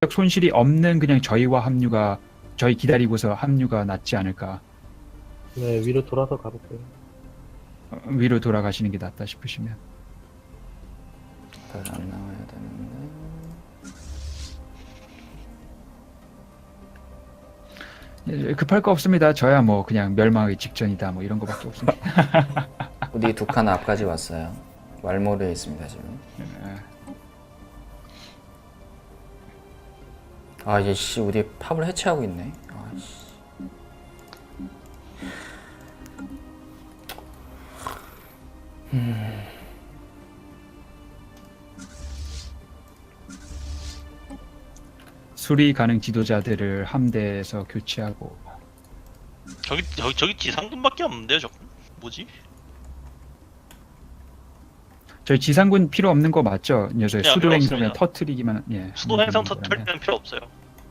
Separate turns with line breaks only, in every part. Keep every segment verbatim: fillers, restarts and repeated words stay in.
손실이 없는 그냥 저희와 합류가 저희 기다리고서 합류가 낫지 않을까.
네, 위로 돌아서 가볼게요.
어, 위로 돌아가시는 게 낫다 싶으시면.
다시 안 나와야 되는데.
예, 급할 거 없습니다. 저야 뭐 그냥 멸망하기 직전이다 뭐 이런 거밖에 없습니다.
우리 두 칸 앞까지 왔어요. 왈모르에 있습니다 지금.
예.
아 이제 씨 우리 팝을 해체하고 있네. 아씨. 음.
수리 가능 지도자들을 함대에서 교체하고.
저기 저기 저기 지상군밖에 없는데요, 저거. 뭐지?
저희 지상군 필요 없는 거 맞죠? 녀석
네,
수도
필요
행성에
없습니다.
터트리기만 예.
수도
하면
행성
되는
터트릴
거라면.
때는 필요 없어요.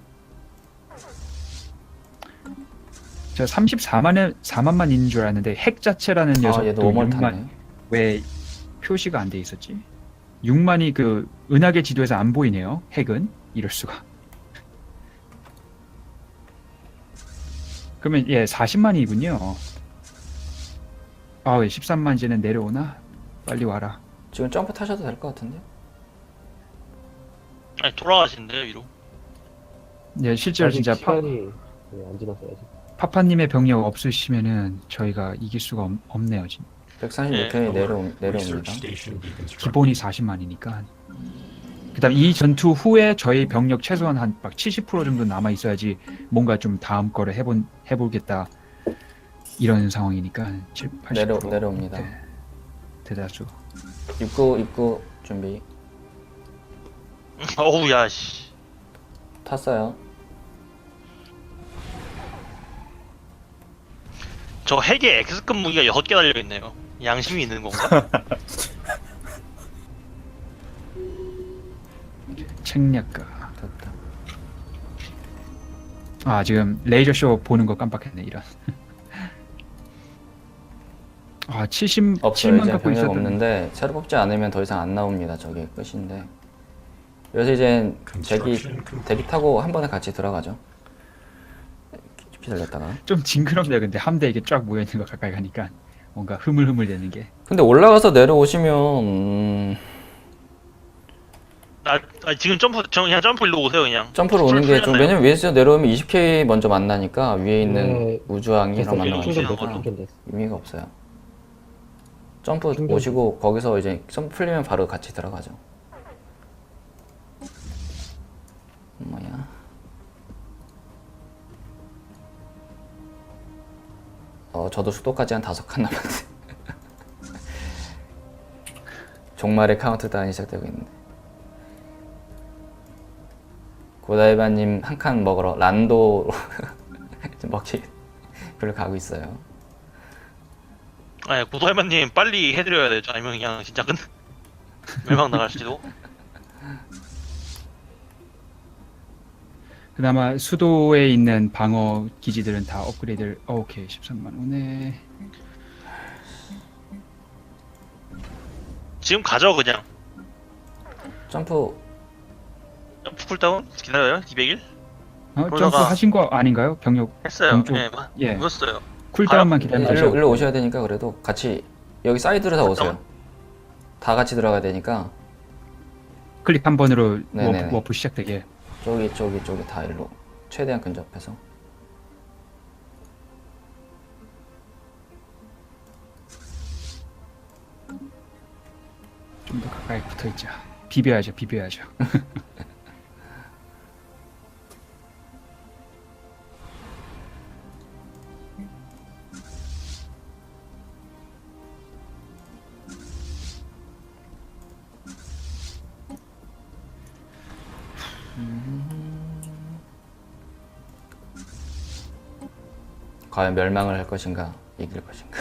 저 삼십사만에 사만만 있는 줄 알았는데 핵 자체라는
아
녀석도
얘도 오멀
육만
타네.
왜 표시가 안 돼 있었지? 육만이 그 은하계 지도에서 안 보이네요. 핵은 이럴 수가. 그러면 예 사십만이군요. 아 왜 십삼만 이제는 내려오나? 빨리 와라.
지금 점프 타셔도 될 것 같은데.
아니 돌아가신대요 위로.
예 실제로
아직
진짜 파,
시간이 네, 안 지났어요 아직.
파파님의 병력 없으시면은 저희가 이길 수가 없, 없네요. 지금.
백삼십육 편이 내려오, 내려옵니다.
기본이 사십만이니까. 그다음 이 전투 후에 저희 병력 최소한 한 막 칠십 퍼센트 정도 남아 있어야지 뭔가 좀 다음 거를 해본 해보겠다 이런 상황이니까 칠, 팔십
내려
퍼센트
내려옵니다.
네, 대다수.
입구 입구 준비.
어우 야 씨.
탔어요.
저 핵에 X급 무기가 여섯 개 달려 있네요. 양심이 있는 건가?
책략가.
됐다.
아 지금 레이저 쇼 보는 거 깜빡했네 이런. 아
없어요.
칠십칠만
이제
갖고
병력
있었던.
없는데 새로 뽑지 않으면 더 이상 안 나옵니다. 저게 끝인데. 그래서 이제 대기 대기 타고 한 번에 같이 들어가죠. 깊이 들렸다가.
좀 징그럽네요. 근데 함대 이게 쫙 모여 있는 거 가까이 가니까 뭔가 흐물흐물 되는 게.
근데 올라가서 내려오시면 음,
나, 아 지금 점프 저 그냥 점프 일로 오세요 그냥.
점프로 오는 게 좀
풀렸나요?
왜냐면 위에서 내려오면 이십 케이 먼저 만나니까 위에 있는
네.
우주왕이랑
됐어,
만나가지고.
충전 됐어,
만나니까
충전 됐어.
의미가 없어요. 점프
충전
오시고 거기서 이제 점프 풀리면 바로 같이 들어가죠. 뭐야? 어 저도 수도까지 한 다섯 칸 남았네. 종말의 카운트다운이 시작되고 있는데. 고다이바님 한 칸 먹으러 란도로 먹기 별로 가고 있어요.
아니 고도할만님 빨리 해드려야 되죠. 아니면 그냥 진짜 끝 멸망 나갈지도.
그나마 수도에 있는 방어 기지들은 다 업그레이드를. 어, 오케이 십삼만 오네.
지금 가죠 그냥.
점프
점프 쿨다운 기다려요. 이백 일
어,
그러다가-
점프 하신 거 아닌가요? 병력
했어요.
동쪽-
예, 마-
예.
묻었어요.
쿨다운만
아,
기다리면
일로,
되죠.
일로 오셔야 되니까 그래도 같이 여기 사이드로 다 오세요. 다 같이 들어가야 되니까
클릭 한 번으로
네네네.
워프, 워프 시작되게.
저기 저기 저기 다 일로 최대한 근접해서.
좀 더 가까이 붙어 있자. 비벼야죠, 비벼야죠.
과연 멸망을 할 것인가 이길 것인가.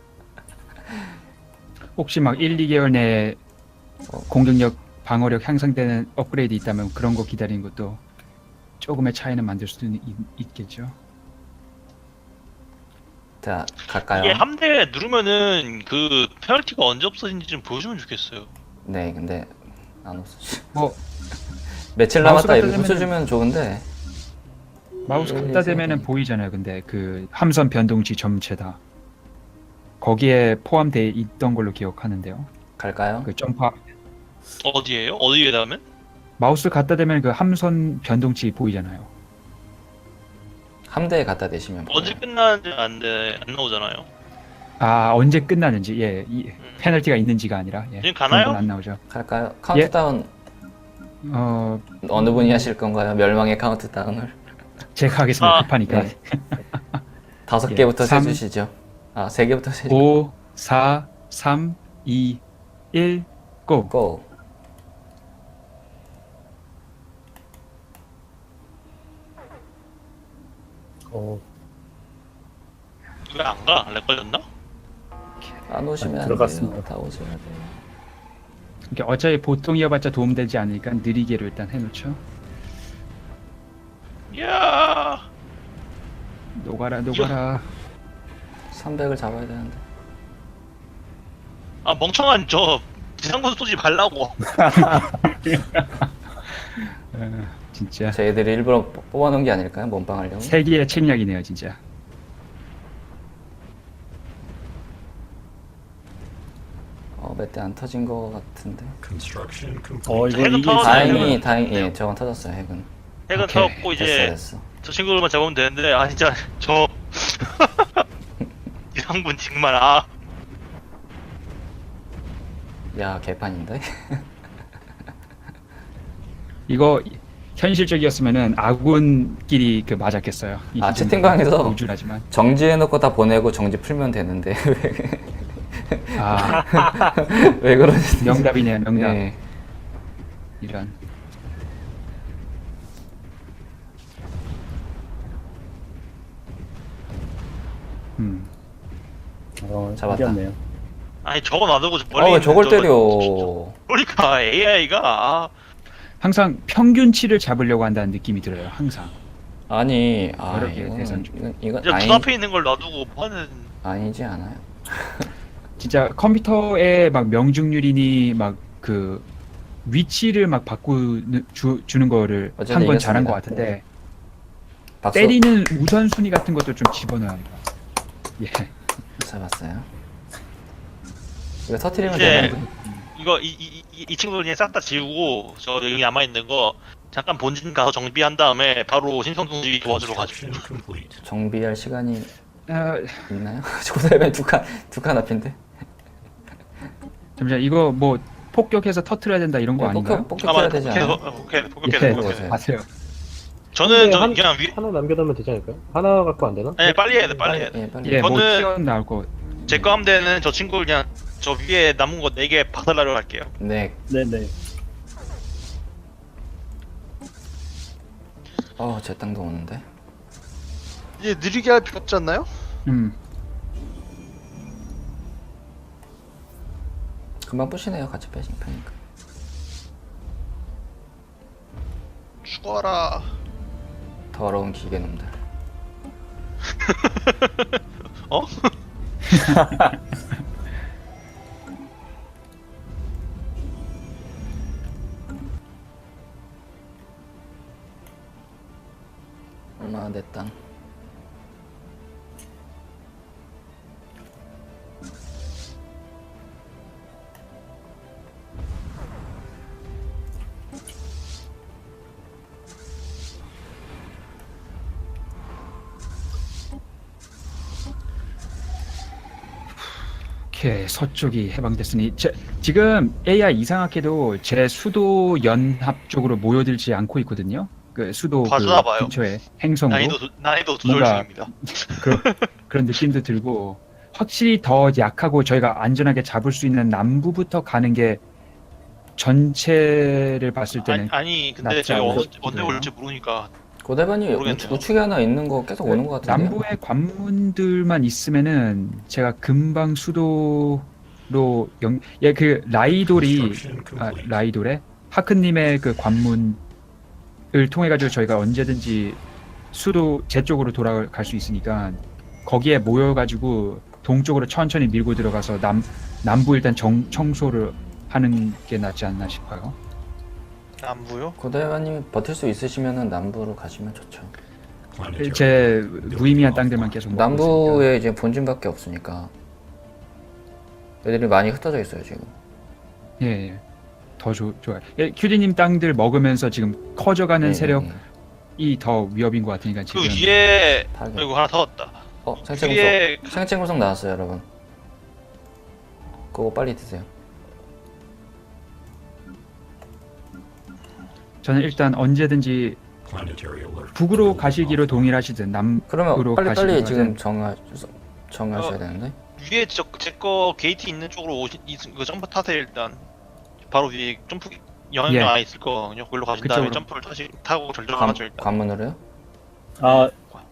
혹시 막 일, 이 개월 내에
어.
공격력, 방어력 향상되는 업그레이드 있다면 그런 거 기다리는 것도 조금의 차이는 만들 수도 있, 있겠죠.
자 갈까요?
이게 함대 누르면은 그 페널티가 언제 없어진지 좀 보여주면 좋겠어요.
네 근데 안 없어.
뭐
며칠
마우스
남았다 이렇게
갖다
붙여주면 좋은데
마우스
음,
갖다 대면은 보이잖아요. 근데 그 함선 변동치 전체다. 거기에 포함되어 있던 걸로 기억하는데요.
갈까요?
그 점파
어디에요? 어디에 닿으면?
마우스 갖다 대면 그 함선 변동치 보이잖아요.
함대에 갖다 대시면
언제
보여요.
끝나는지 안, 돼, 안 나오잖아요.
아 언제 끝나는지 예, 이
음.
페널티가 있는지가 아니라 예,
지금
그런
가나요?
건 안 나오죠.
갈까요? 카운트다운
어
어느 분이 하실 건가요? 멸망의 카운트다운을
제가 하겠습니다.
아.
급하니까.
네. 다섯
예,
개부터
삼,
세주시죠. 아, 세 개부터 세주.
오, 사, 삼, 이, 일, 고.
고.
어,
왜 안 가? 렉 걸렸나?
안 오시면
아,
안
들어갔습니다.
돼요. 다 오셔야 돼요.
그러니까 어차피 보통이어봤자 도움되지 않으니까 느리게로 일단 해놓죠.
이야.
녹아라 녹아라.
삼백을 잡아야 되는데.
아 멍청한 저 지상군 쏘지 말라고.
어, 진짜
저희들이 일부러 뽑- 뽑아놓은 게 아닐까요? 몸빵하려고?
세기의 책략이네요 진짜.
어, 몇 대 안 터진 거 같은데.
Construction complete.
어 이거
핵은
이게
터졌네.
다행히, 다행히, 예, 저건 터졌어요, 핵은.
핵은
오케이.
터졌고
됐어,
이제
됐어.
저 친구들만 잡으면 되는데 아 진짜 저 지상군 정말 아
야, 개판인데?
이거 현실적이었으면은 아군끼리 그 맞았겠어요. 이
아,
기준
채팅방에서
우주라지만.
정지해놓고 다 보내고 정지 풀면 되는데.
아
왜 그러지?
명답이네요 명답.
네.
이런. 음.
어,
잡았다.
이겼네요.
아니 저거 놔두고 저
어,
멀리
왜
있는
저걸
저거-
때려.
그러니까 에이아이가 아,
항상 평균치를 잡으려고 한다는 느낌이 들어요. 항상.
아니, 아,
어렵게
이건,
계산 중.
이건, 이건
진짜
아니,
눈앞에 있는 걸 놔두고 뭐하는
아니지 않아요.
진짜 컴퓨터의 막 명중률이니 막 그 위치를 막 바꾸는 주, 주는 거를
어쨌든
한 건 잘한
이겼습니다.
것 같은데
박수.
때리는 우선순위 같은 것도 좀 집어넣어야 합니다. 예.
잡았어요. 이거 터트리면
이제
되는
이거 이, 이, 이, 이 친구들 그냥 싹 다 지우고 저 여기 남아 있는 거 잠깐 본진 가서 정비한 다음에 바로 신성동지 도와주러 가죠.
Construction complete.
정비할 시간이
아,
있나요? 고대면 두칸 두칸 앞인데.
잠시만 이거 뭐 폭격해서 터트려야 된다 이런 거
네,
아닌가요?
폭격 폭격해야 되지 않아요?
복해 복해
예,
복해
복해.
복해.
맞아요.
저는 저
한-
그냥 위
하나 남겨두면 되지 않을까요? 하나 갖고 안 되나?
네, 빨리 해야 돼 빨리 해야 돼.
예, 빨리.
예, 뭐
저는-
튀어나올 거.
제 거 함대는 저 친구 그냥 저 위에 남은 거 네 개 박살나려 할게요.
네.
네네.
어, 제 땅도 오는데.
이제 느리게 할 필요 없지 않나요?
음.
금방 부시네요. 같이 빼신 편이니까.
죽어라.
더러운 기계놈들.
어?
얼마나 내 땅.
오케이 서쪽이 해방됐으니 제, 지금 에이아이 이상하게도 제 수도 연합 쪽으로 모여들지 않고 있거든요. 그 수도 그
봐주나 봐요.
근처에 행성으로
난이도 조- 난이도 조절
뭔가-
중입니다.
그런 그런 느낌도 들고 확실히 더 약하고 저희가 안전하게 잡을 수 있는 남부부터 가는 게 전체를 봤을
아니,
때는
아니 근데
낫지
제가
않을까
언제, 언제
싶은데요.
올지 모르니까
고대반이
모르겠네요.
우측에 하나 있는 거 계속 오는 것 같은데요.
남부의 관문들만 있으면은 제가 금방 수도로 영, 예, 그 라이돌이
Construction
아,
complete.
라이돌의 하크님의 그 관문을 통해 가지고 저희가 언제든지 수도 제 쪽으로 돌아갈 수 있으니까 거기에 모여 가지고 동쪽으로 천천히 밀고 들어가서 남 남부 일단 정, 청소를 하는 게 낫지 않나 싶어요.
남부요?
고대화님 버틸 수 있으시면은 남부로 가시면 좋죠.
Planetary
제
building
무의미한
offline.
땅들만 계속 먹고 있으니까.
남부에 이제 본진밖에 없으니까 애들이 많이 흩어져 있어요 지금.
예, 예. 더 좋, 좋아요. 예, 큐디님 땅들 먹으면서 지금 커져가는
예,
세력이
예, 예.
더 위협인 것 같으니까
그
지금.
위에
타겟.
그리고 하나 더 왔다.
어 생체
위에
구석. 생체 구석 나왔어요 여러분. 그거 빨리 드세요.
저는 일단 언제든지
Planetary alert.
북으로 가시기로 동일하시든 남으로
그러면 빨리 빨리
가시든
지금 정하 정하셔야
어.
되는데.
위에 저제거 게이트 있는 쪽으로 오시 그 점프 타세요 일단. 바로 위에 점프 영향력
예.
안에 있을 거거든요. 거기로 가신 다음에
그쪽으로.
점프를 타시 타고
관,
절정하죠 일단.
관문으로요?
아,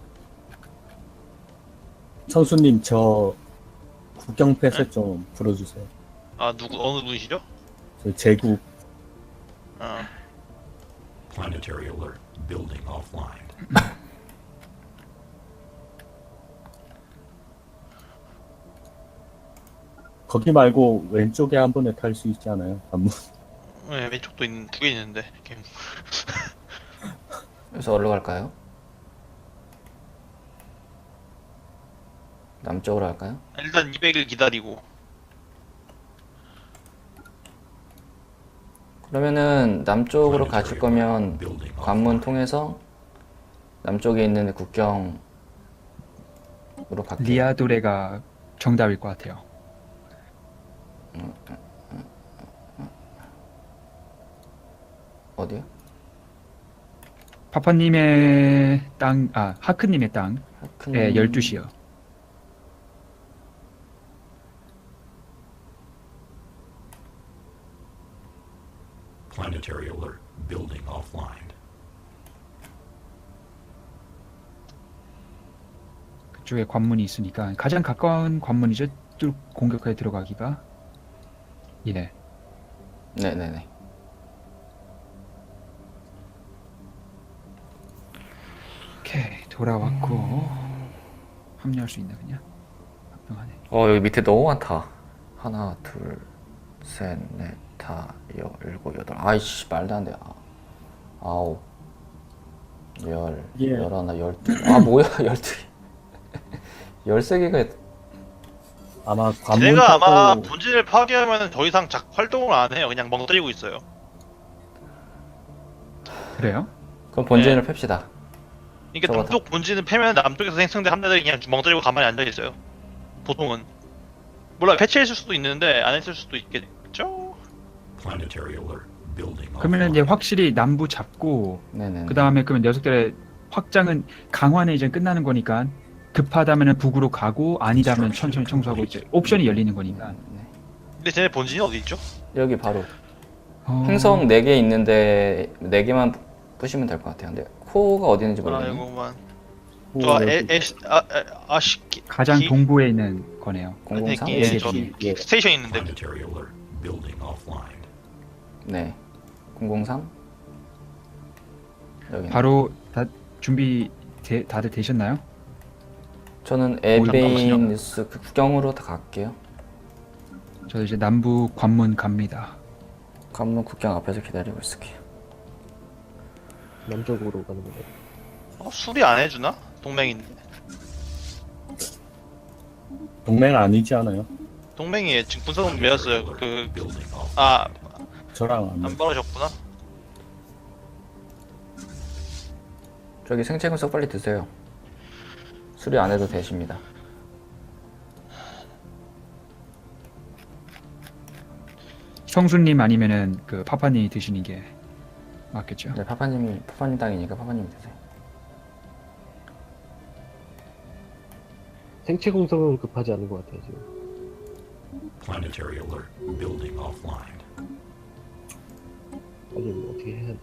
청수님 저 국경 폐쇄 좀 풀어주세요.
아 누구 어느 분이시죠?
저 제국
어.
Planetary alert. Building offline.
거기 말고 왼쪽에 한 번에 탈 수 있지 않아요? 한번.
네, 왼쪽도 있는 두 개 있는데. 이렇게.
그래서 어디로 갈까요? 남쪽으로 할까요?
일단 이백을 기다리고.
그러면은 남쪽으로 가실 거면
Building off.
관문 통해서 남쪽에 있는 국경으로 갈게요.
리아도레가 정답일 것 같아요.
어디요?
파파님의 땅, 아 하크님의 땅에
하크님-
열두 시요.
Planetary alert. Building offline.
그쪽에 관문이 있으니까 가장 가까운 관문이죠. 뚫 공격하에 들어가기가. 예.
네네네.
오케이 돌아왔고 합류할 수 있나 그냥? 합병하네.
어 여기 밑에 너무 많다. 하나, 둘, 셋, 넷, 다, 여, 일곱, 여덟. 아이씨 말도 안 돼. 아, 아홉, 열,
예.
열하나, 열두. 아 뭐야 열두 개. 열세 개가
아마 관문
얘네가 아마
타고
본진을 파괴하면 더 이상 작 활동을 안 해요. 그냥 멍 때리고 있어요.
그래요?
그럼 본진을 팹시다.
그러니까
저거
남쪽 본진을 패면 남쪽에서 생성된 함대들이 그냥 멍 때리고 가만히 앉아 있어요. 보통은. 몰라 패치했을 수도 있는데 안 했을 수도 있겠죠?
Planetary alert. Building
그러면 이제
offline.
확실히 남부 잡고
네네.
그 다음에 그러면 녀석들의 확장은 강화는 이제 끝나는 거니까 급하다면은 북으로 가고 아니다면 천천히 청소하고 이제 옵션이 열리는 거니까.
네.
근데 쟤네 본진이 어디 있죠?
여기 바로
어,
행성 네 개 있는데 네 개만 부시면 될 것 같아요. 근데 코어가 어디 있는지
아
모르겠네.
이거만.
오,
저
여기
에, 에, 아, 아, 아시
가장
기-
동부에 있는 거네요.
공공삼?
아니,
예,
기- 저
예, 예.
스테이션 있는데
Planetary alert. Building offline.
네. 공공삼? 여기.
바로 다 준비 되, 다들 되셨나요?
저는
잠깐만요.
에베인스 그 구경으로 다 갈게요.
저 이제 남부 관문 갑니다.
관문 국경 앞에서 기다리고 있을게요.
남쪽으로 가는 거예요.
어, 수리 안 해주나? 동맹인데.
동맹 아니지 않아요?
동맹이 지금 분석은 매였어요. 그,
Building off.
아,
저랑 안
안 벌어졌구나.
저기 생체 분석 빨리 드세요. 수리 안 해도 되십니다.
성수님 아니면은 그 파파님이 드시는 게 맞겠죠?
네, 파파님이 파파님 땅이니까 파파님이 드세요.
생체 공성은 급하지 않은 것 같아요 지금.
Planetary alert. Building offline.
빨리 뭐 어떻게 해야 돼?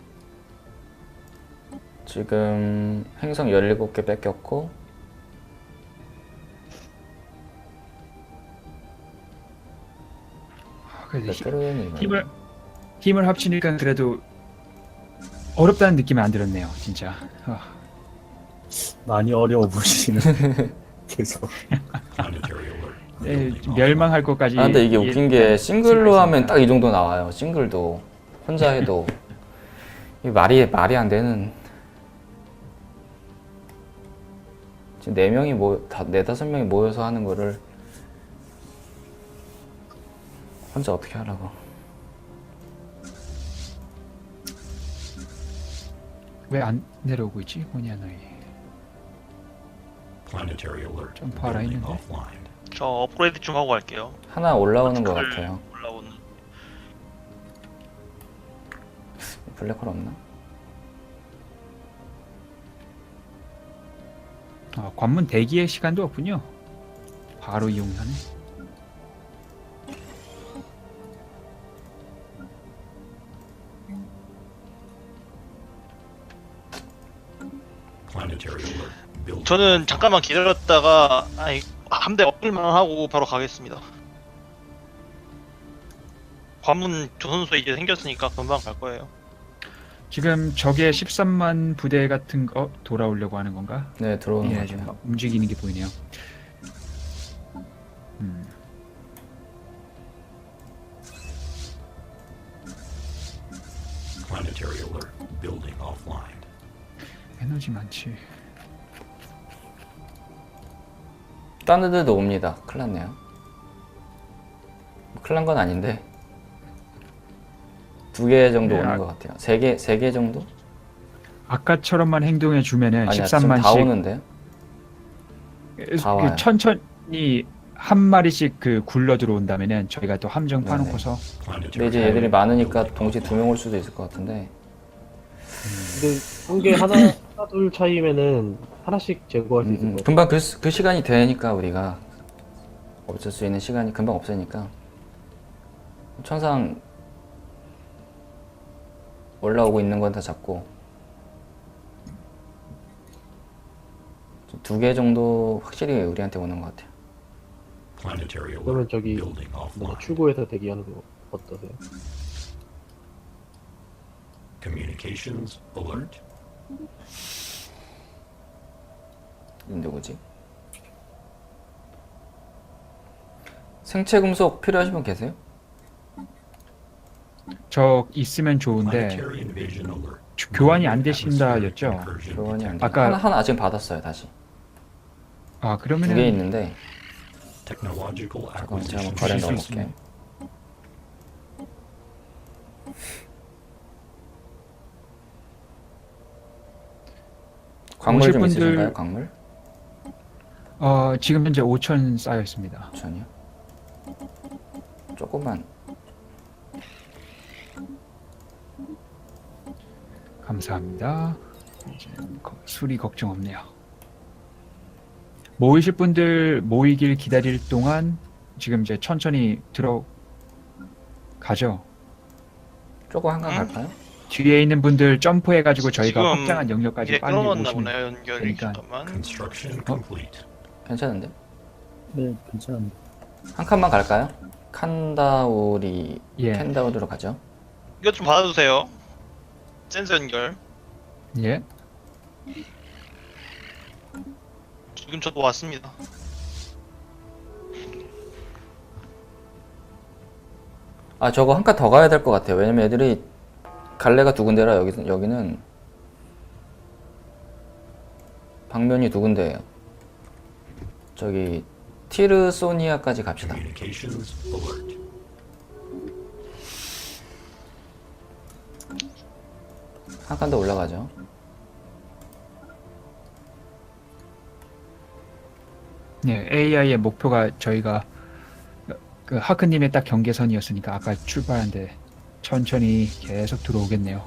지금 행성 열일곱 개 뺏겼고
아, 그래도 힘-
레트로는
힘을 힘을 합치니까 그래도 어렵다는 느낌이 안 들었네요, 진짜. 아,
많이 어려워 보시는. 계속.
Planetary alert.
네,
Building offline.
멸망할 것까지.
아 근데 이게
예-
웃긴 게 싱글로
있으니까.
하면 딱 이 정도 나와요. 싱글도 혼자 해도 이 말이 말이 안 되는. 지금 네 명이 모네 다섯 명이 모여서 하는 거를 혼자 어떻게 하라고?
왜 안 내려오고 있지? 호니아나이.
Planetary alert.
점프하라
Building
했는데.
offline.
저 업그레이드 좀 하고 갈게요.
하나 올라오는 것
버티컬
같아요.
올라오는.
블랙홀 없나?
아, 관문 대기의 시간도 없군요. 바로 이용하네.
Planetary alert. Building.
저는 잠깐만 기다렸다가 아니 함대 업글만 하고 바로 가겠습니다. 관문 조선소에 이제 생겼으니까 금방 갈 거예요.
지금 적의 십삼만 부대 같은 거 돌아오려고 하는 건가?
네, 들어오는
예,
것
지금
같아요.
움직이는 게 보이네요. 음.
Planetary alert. Building offline.
에너지 많지.
딴 애들도 옵니다. 큰일 났네요. 뭐 큰일 난 건 아닌데 두 개 정도
네,
오는
아-
것 같아요. 세 개, 세 개 정도?
아까처럼만 행동해 주면은
아니야, 지금
십삼만씩
다 오는데요? 다 와요.
그 천천히 한 마리씩 그 굴러 들어온다면은 저희가 또 함정
네네.
파놓고서
근데
Planetary
이제 얘들이 많으니까 동시에 두 명 올 수도 있을 것 같은데.
근데 한개 하나, 하나 둘 차이면은 하나씩 제거할 수
음,
있을
음.
것 같아요.
금방 그, 시- 그 시간이 되니까 우리가 없을 수 있는 시간이 금방 없으니까 천상 올라오고 있는 건 다 잡고 두 개 정도 확실히 우리한테 오는 것 같아요.
Planetary alert.
그러면 저기
Building
뭐
offline.
출구에서 대기하는 거 어떠세요?
Communications alert.
누구지? 생체 금속 필요하신 분 계세요?
저 있으면 좋은데
Planetary invasion alert.
주- 교환이 안 되신다였죠?
Incursion
교환이 안 돼.
아까-
하나 하나 지금 받았어요 다시.
아
두
그러면은
개 있는데
Technological
잠깐만 제가
acquisition.
한번 거래
주실 수
넣어볼게요. 광물
오실
좀
분들-
있으신가요? 광물?
어 지금 현재 오천 쌓여 있습니다.
전이요? 조금만.
감사합니다. 이제 거- 수리 걱정 없네요. 모이실 분들 모이길 기다릴 동안 지금 이제 천천히 들어가죠.
조금 한강
응?
갈까요?
뒤에 있는 분들 점프해가지고 저희가
지금
확장한 영역까지
이게
빨리
끊어놨나
모시면
보네요 연결이.
되니까.
잠깐만.
Construction complete.
괜찮은데?
네, 괜찮은데.
한 칸만 갈까요? 칸다우리
예.
캔다우리로 가죠.
이것 좀 받아주세요. 센서 연결.
예.
지금 저도 왔습니다.
아 저거 한 칸 더 가야 될 것 같아요. 왜냐면 애들이 갈래가 두 군데라 여기 여기는 방면이 두 군데예요. 저기 티르소니아까지 갑시다.
Communications alert.
한 칸 더 올라가죠.
예, 에이아이의 목표가 저희가 그 하크님의 딱 경계선이었으니까 아까 출발한데 천천히 계속 들어오겠네요.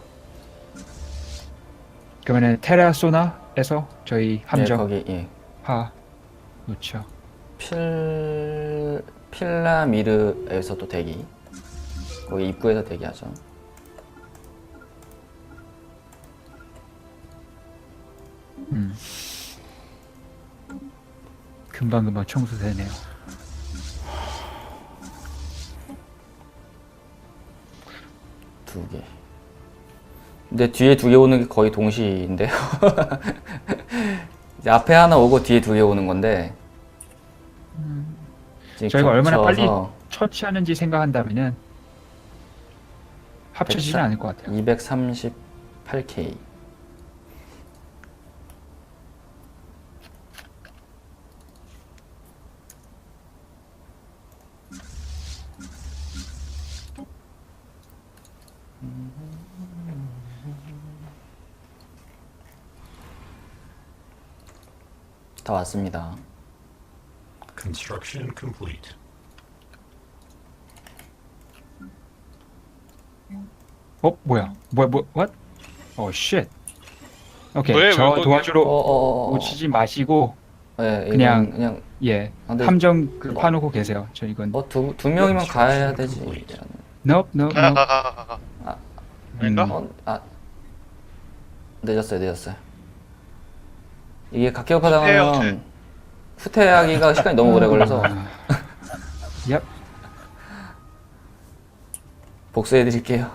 그러면은 테라소나에서 저희
예,
함정
거기 예.
파 놓죠.
필 필라미르에서 또 대기. 거기 입구에서 대기하죠.
음. 금방 금방 청소되네요.
두 개. 근데 뒤에 두 개 오는 게 거의 동시인데요. 이제 앞에 하나 오고 뒤에 두 개 오는 건데. 지금
저희가 얼마나 빨리
겹쳐서
처치하는지 생각한다면은 합쳐지진
백사-
않을 것 같아요.
이백삼십팔 팔 케이. 다 왔습니다.
Construction complete.
어 뭐야? 뭐야 뭐 what? 어 쉣. 오케이
왜,
저
왜 거기-
도와주러
어어어.
오시지 마시고
예, 이건
그냥-
그냥
예
아, 근데-
함정 그
어.
파놓고 계세요. 저 이건
어두 두 명이면 가야 되지.
nope nope
가,
nope.
가, 가, 가, 가.
아.
아닌가?
음.
어, 아 늦었어요, 늦었어요. 이게 각기업파
후퇴해요,
당하면 후퇴하기가 시간이 너무 오래 걸려서
아, 얍.
복수해 드릴게요.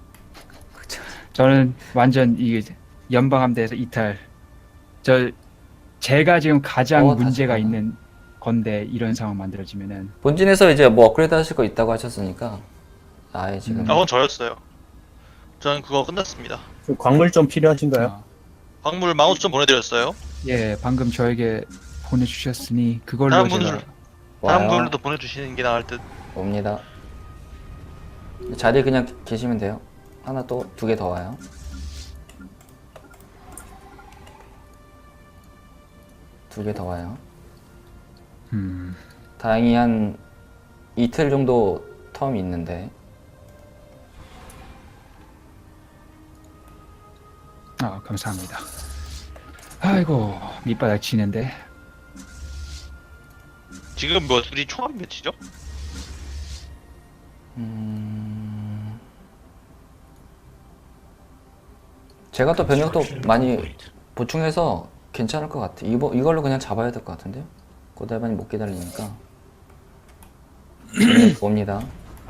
저는 완전 이 연방함대에서 이탈. 저 제가 지금 가장
어,
문제가
다시
있는 건데 이런 상황 만들어지면은
본진에서 이제 뭐 업그레이드 하실 거 있다고 하셨으니까 아예 지금
아, 그건 저였어요. 저는 그거 끝났습니다.
그 광물 좀 필요하신가요?
어,
광물 만 오천 보내드렸어요.
예 방금 저에게 보내주셨으니 그걸로
다른
제가
분들 다른
와요.
분들도 보내주시는 게 나을 듯.
옵니다. 자리에 그냥 계시면 돼요. 하나 또 두 개 더 와요. 두 개 더 와요.
음,
다행히 한 이틀 정도 텀이 있는데
아 감사합니다. 아이고 밑바닥 치는데
지금 뭐 둘이 총합이 몇이죠?
음... 제가 또 변형도
Construction
많이
complete.
보충해서 괜찮을 것 같아. 이거 이걸로 그냥 잡아야 될 것 같은데요? 고달반이 못 기다리니까. 네, 옵니다.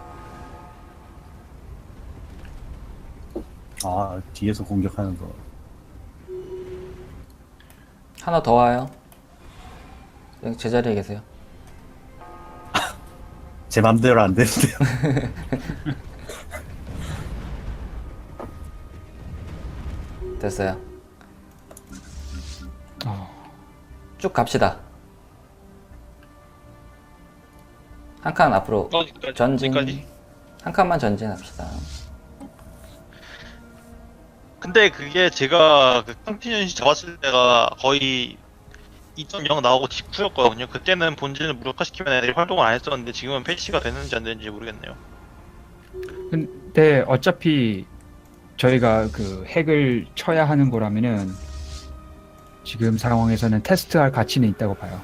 아, 뒤에서 공격하는 거.
하나 더 와요. 그냥 제자리에 계세요.
제 맘대로 안 되는데요.
됐어요.
어,
쭉 갑시다. 한 칸 앞으로
어디까지?
전진.
어디까지?
한 칸만 전진합시다.
근데 그게 제가 그 캉티년시 잡았을 때가 거의 이 점 영 나오고 직후였거든요. 그때는 본진을 무력화시키면 애들이 활동을 안 했었는데 지금은 패치가 되는지 안 되는지 모르겠네요.
근데 어차피 저희가 그 핵을 쳐야 하는 거라면은 지금 상황에서는 테스트할 가치는 있다고 봐요.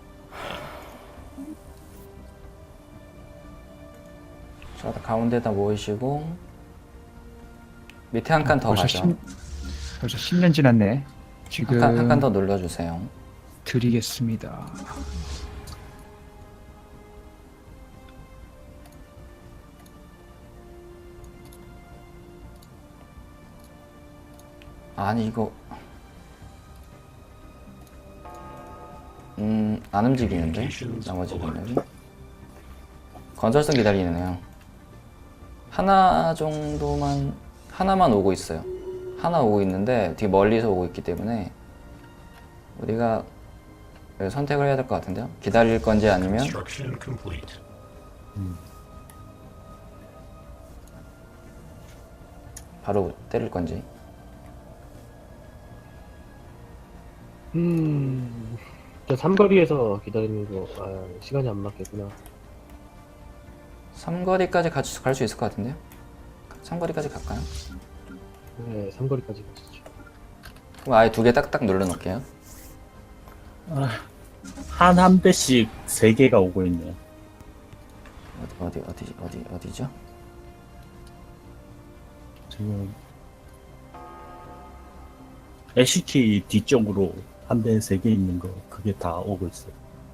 자, 가운데다 모이시고 밑에 한 칸 더
벌써
가죠.
십, 벌써 십 년 지났네. 지금
한 칸 한 칸 더 눌러주세요.
드리겠습니다.
아니 이거 음 안 움직이는데 나머지 분들이 건설성 기다리네요. 하나 정도만 하나만 오고 있어요. 하나 오고 있는데 되게 멀리서 오고 있기 때문에 우리가 선택을 해야 될 것 같은데요. 기다릴 건지 아니면
Construction complete.
바로 때릴 건지.
음, 저 삼거리에서 기다리는 거, 아, 시간이 안 맞겠구나.
삼거리까지 갈 수 있을 것 같은데요. 삼거리까지 갈까요?
네, 삼거리까지 가시죠.
그럼 아예 두 개 딱딱 눌러 놓을게요.
한 한 대씩 세 개가 오고 있네요.
어디 어디 어디 어디 어디죠?
지금 에시티 뒤쪽으로 한 대 세 개 있는 거 그게 다 오고 있어요.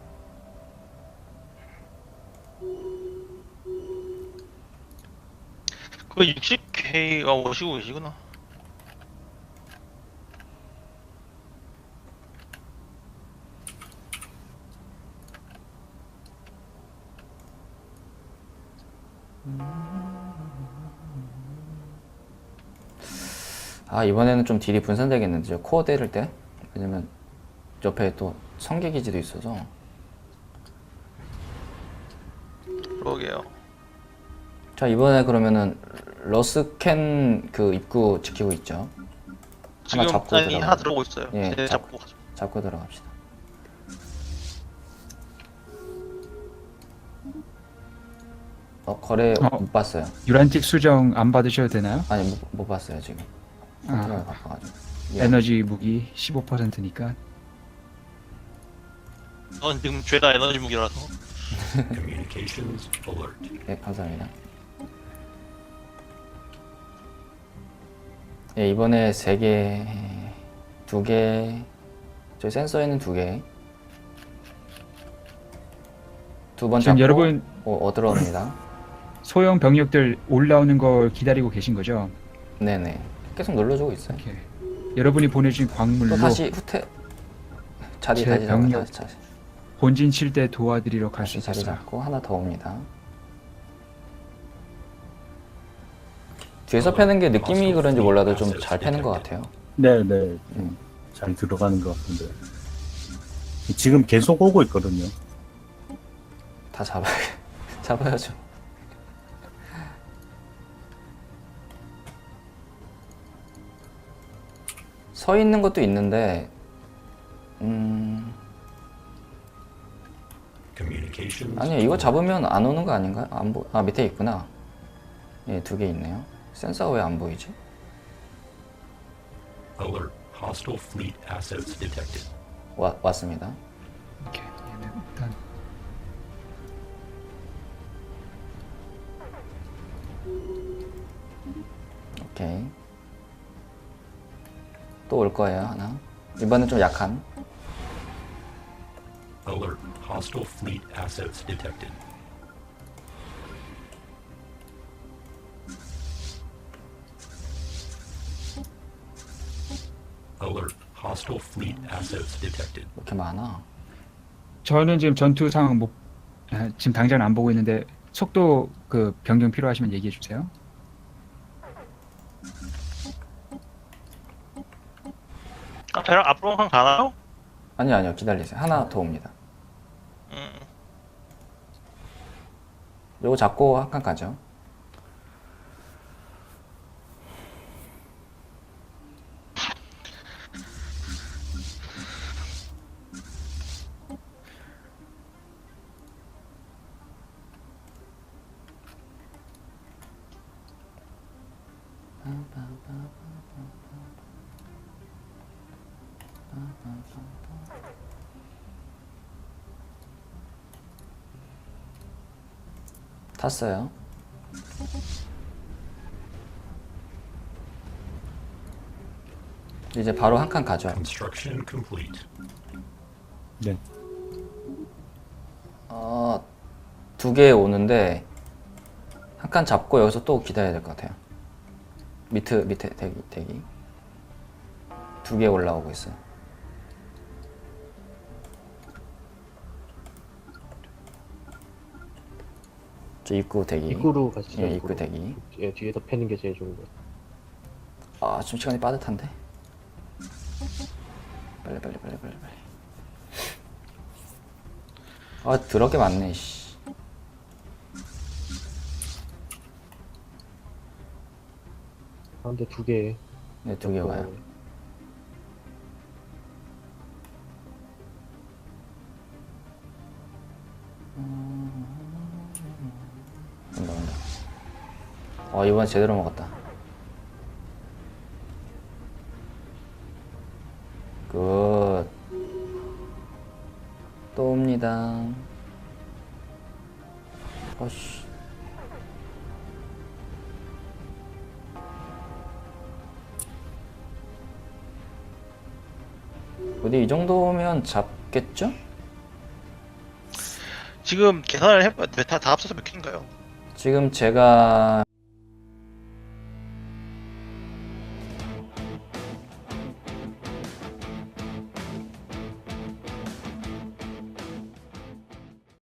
그 육십 케이가 오시고 계시구나.
아, 이번에는 좀 딜이 분산되겠는데요. 코어 때릴 때. 왜냐면 옆에 또 성계기지도 있어서.
그러게요.
자, 이번에 그러면은 러스캔 그 입구 지키고 있죠.
지금
잡고
아니
들어가요.
하나 들어오고 있어요.
예,
쟤
잡-
잡고 가죠.
잡고 들어갑시다. 어, 거래
어.
못 봤어요.
유란틱 수정 안 받으셔도 되나요?
아니, 못, 못 봤어요, 지금.
아,
생각을 바꿔가지고. 예.
에너지 무기 십오 퍼센트니까
넌 지금 죄다 에너지 무기라서.
Communications alert.
예, 감사합니다. 예, 이번에 세 개, 두 개, 저희 센서에는 두 개. 두 번
지금
잡고
여러분
어, 어 들어옵니다.
소형 병력들 올라오는 걸 기다리고 계신 거죠?
네네. 계속 눌러주고 있어요.
이렇게 여러분이 보내주신 광물로
또 다시 후퇴 자리
제
다시 잡고
병력
다시, 다시,
본진 칠 대 도와드리러 갈 수
다시 자리
있었어요.
잡고 하나 더 옵니다. 뒤에서 패는 게 느낌이 그런지 몰라도 좀 잘 패는 것 같아요.
네네. 좀 잘 들어가는 것 같은데. 지금 계속 오고 있거든요.
다 잡아야 잡아야죠. 서 있는 것도 있는데, 음,
Communications.
아니요, 이거 잡으면 안 오는 거 아닌가요? 안 보, 아, 밑에 있구나. 예, 두 개 있네요. 센서가 왜 안 보이지?
Alert. Hostile fleet assets detected.
와, 왔습니다.
이렇게 얘는 일단
오케이. 또 올 거예요, 하나. 이번엔 좀 약한.
Alert. Hostile fleet assets detected. Alert. Hostile fleet assets detected.
이렇게 많아.
저는 지금 전투 상황 못 아, 지금 당장 안 보고 있는데 속도 그 변경 필요하시면 얘기해 주세요.
아, 배랑 앞으로 한 가나요?
아니요, 아니요, 기다리세요. 하나 더 옵니다.
음.
요거 잡고 한 칸 가죠. 탔어요. 이제 바로 한 칸 가죠.
Construction complete.
네.
어, 두 개 오는데 한 칸 잡고 여기서 또 기다려야 될 것 같아요. 밑에 밑에 대기 대기. 두 개 올라오고 있어요. 저 입구 대기.
입구로 가시죠.
예, 입구 대기.
예, 뒤에서 패는 게 제일 좋은 거.
아, 좀 시간이 빠듯한데. 빨리 빨리 빨리 빨리 빨리. 아, 더럽게 많네. 씨.
가운데 두 개.
네, 두 개 와요. 온다 온다. 어, 이번 제대로 먹었다. 굿. 또 옵니다. 어씨. 어디 이 정도면 잡겠죠?
지금 계산을 해봐야 돼. 다, 다 합쳐서 몇 킬인가요?
지금 제가